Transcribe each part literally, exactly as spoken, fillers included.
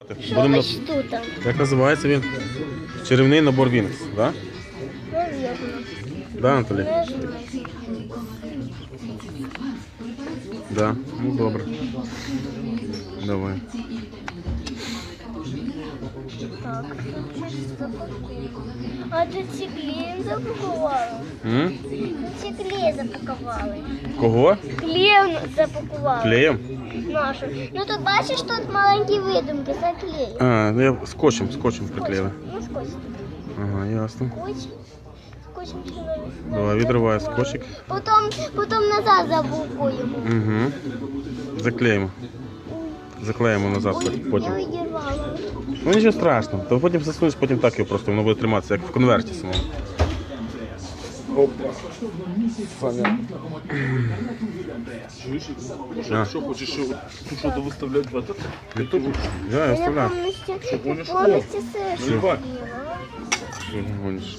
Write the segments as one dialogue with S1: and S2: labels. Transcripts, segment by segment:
S1: Що
S2: Будемо...
S1: ось тут?
S2: Як називається він? Чарівний набор Вінкс, так? Да?
S1: Навірно.
S2: Да, Анатолій?
S1: Не знаю.
S2: Да. Ну добре. Давай.
S1: Так, тут щось запакуємо. А тут ці клеєм запакували.
S2: М?
S1: Тут ці клей запакували.
S2: Кого?
S1: Клеєм запакували.
S2: Клеєм?
S1: Нашу. Ну тут бачиш, тут маленькі видумки, це клей.
S2: А, ну я скотчем, скотчем приклеїли.
S1: Ну, скотч.
S2: Ага, ясно.
S1: Скотч. Скотчем ще не-
S2: Давай, відриваю скотчик.
S1: Потім, потім назад запакуємо.
S2: Угу. Заклеїмо. Заклеїмо назад
S1: Ой,
S2: потім.
S1: я відірвала.
S2: Ну нічого страшного. То потім засунеш, потім так його просто, воно буде триматися, як в конверті самому. Опа. Саня.
S3: Чуєш?
S2: А.
S3: Що, що хочеш, що тут що виставляти в этот?
S2: Ютуб? Да, я
S1: Я
S2: вставляю.
S1: повністю, я
S3: гониш?
S1: повністю все
S3: Ну, давай.
S2: Що ти гониш?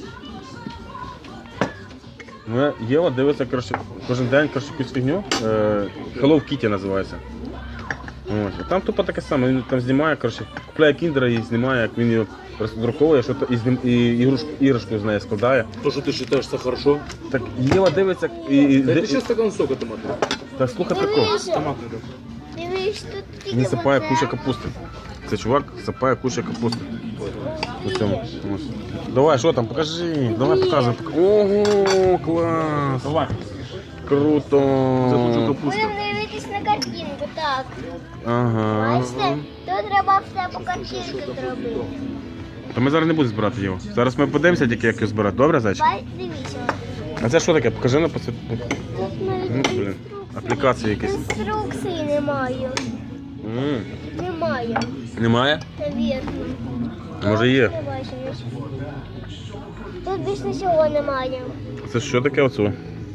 S2: Ну, Єва дивиться коротше, кожен день коротше, якусь фігню. Е, Hello Kitty називається. Ось. І там тупо таке саме, він там знімає, коротше, купляє кіндера і знімає, як він його роздруковує, що то, і, знім, і ігрушку, іграшку з неї складає.
S3: То, що ти вважаєш, це хорошо.
S2: Так Єва дивиться і... і
S3: Дай
S2: ди-
S3: ти ще стакан сока томатного.
S2: Та слухай прикол.
S1: Дивись,
S3: Томатний, да.
S1: дивись, тут тільки
S2: Він сапає
S1: оце.
S2: куча капусти. Це чувак сапає куча капусти. На цьому. Ось. Давай, що там, покажи. Давай показуй. Ого, клас.
S3: Давай.
S2: Круто.
S3: Це хочу капусту.
S1: Будемо дивитись на картинку, так.
S2: Ага.
S1: Бачите, тут треба все по картинці зробити.
S2: То ми зараз не будемо збирати його. Зараз ми подивимося тільки, як його збирати. Добре, зайчик?
S1: Бай, дивіться.
S2: А це що таке? Покажи на посвіт.
S1: Тут навіть
S2: Ну, блін. Аплікації якісь.
S1: інструкції немає.
S2: М,
S1: Немає,
S2: Немає?
S1: навірно.
S2: Може є.
S1: Не бачу, нічого. Тут більш нічого немає.
S2: Це що таке оце?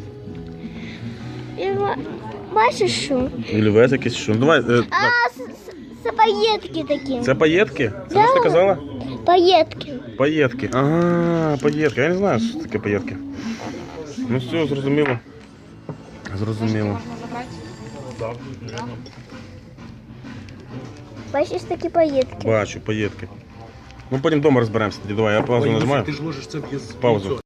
S1: І ба- Бачиш що?
S2: Ільвець якийсь що? Ну, давай. е, так.
S1: А, с- с- це паєтки такі.
S2: Це паєтки? Це
S1: Да.
S2: що ти казала?
S1: Паєтки.
S2: Паєтки. Ага, паєтки. Я не знаю, що таке паєтки. Ну все, зрозуміло. Зрозуміло.
S1: Бачиш такі паєтки.
S2: Бачу, паєтки. Ну потім вдома розберемося тоді. Давай, я паузу нажимаю.
S3: Ти ж ложиш це в язик.
S2: Паузу.